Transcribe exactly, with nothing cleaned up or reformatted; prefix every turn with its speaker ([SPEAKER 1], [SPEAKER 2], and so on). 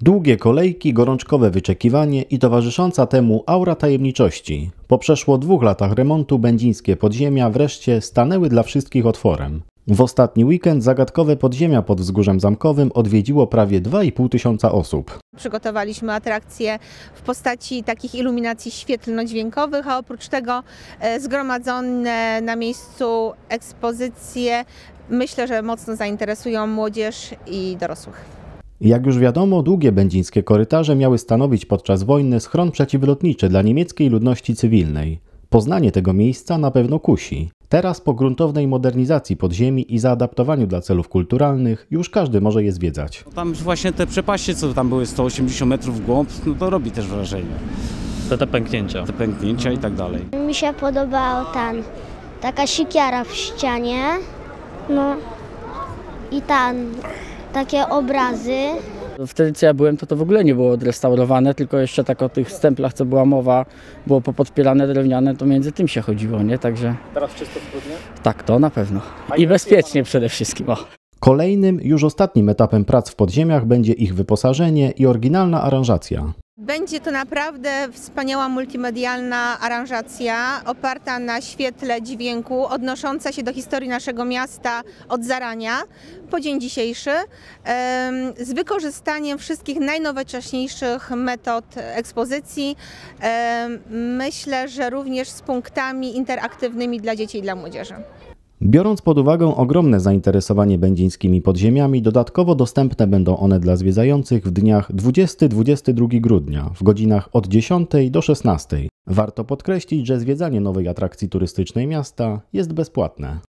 [SPEAKER 1] Długie kolejki, gorączkowe wyczekiwanie i towarzysząca temu aura tajemniczości. Po przeszło dwóch latach remontu będzińskie podziemia wreszcie stanęły dla wszystkich otworem. W ostatni weekend zagadkowe podziemia pod Wzgórzem Zamkowym odwiedziło prawie dwa i pół tysiąca osób.
[SPEAKER 2] Przygotowaliśmy atrakcje w postaci takich iluminacji świetlno-dźwiękowych, a oprócz tego zgromadzone na miejscu ekspozycje myślę, że mocno zainteresują młodzież i dorosłych.
[SPEAKER 1] Jak już wiadomo, długie będzińskie korytarze miały stanowić podczas wojny schron przeciwlotniczy dla niemieckiej ludności cywilnej. Poznanie tego miejsca na pewno kusi. Teraz po gruntownej modernizacji podziemi i zaadaptowaniu dla celów kulturalnych już każdy może je zwiedzać.
[SPEAKER 3] Tam właśnie te przepaście, co tam były sto osiemdziesiąt metrów w głąb, no to robi też wrażenie.
[SPEAKER 4] To te pęknięcia.
[SPEAKER 3] Te pęknięcia i tak dalej.
[SPEAKER 5] Mi się podobało tam taka siekiera w ścianie, no i tam takie obrazy.
[SPEAKER 6] Wtedy co ja byłem, to to w ogóle nie było odrestaurowane, tylko jeszcze tak o tych stemplach, co była mowa, było popodpierane drewniane, to między tym się chodziło, nie? Także...
[SPEAKER 4] Teraz czysto spódnie?
[SPEAKER 6] Tak, to na pewno. I bezpiecznie przede wszystkim. O.
[SPEAKER 1] Kolejnym, już ostatnim etapem prac w podziemiach będzie ich wyposażenie i oryginalna aranżacja.
[SPEAKER 2] Będzie to naprawdę wspaniała multimedialna aranżacja oparta na świetle dźwięku, odnosząca się do historii naszego miasta od zarania po dzień dzisiejszy, z wykorzystaniem wszystkich najnowocześniejszych metod ekspozycji. Myślę, że również z punktami interaktywnymi dla dzieci i dla młodzieży.
[SPEAKER 1] Biorąc pod uwagę ogromne zainteresowanie będzińskimi podziemiami, dodatkowo dostępne będą one dla zwiedzających w dniach dwudziestego do dwudziestego drugiego grudnia w godzinach od dziesiątej do szesnastej. Warto podkreślić, że zwiedzanie nowej atrakcji turystycznej miasta jest bezpłatne.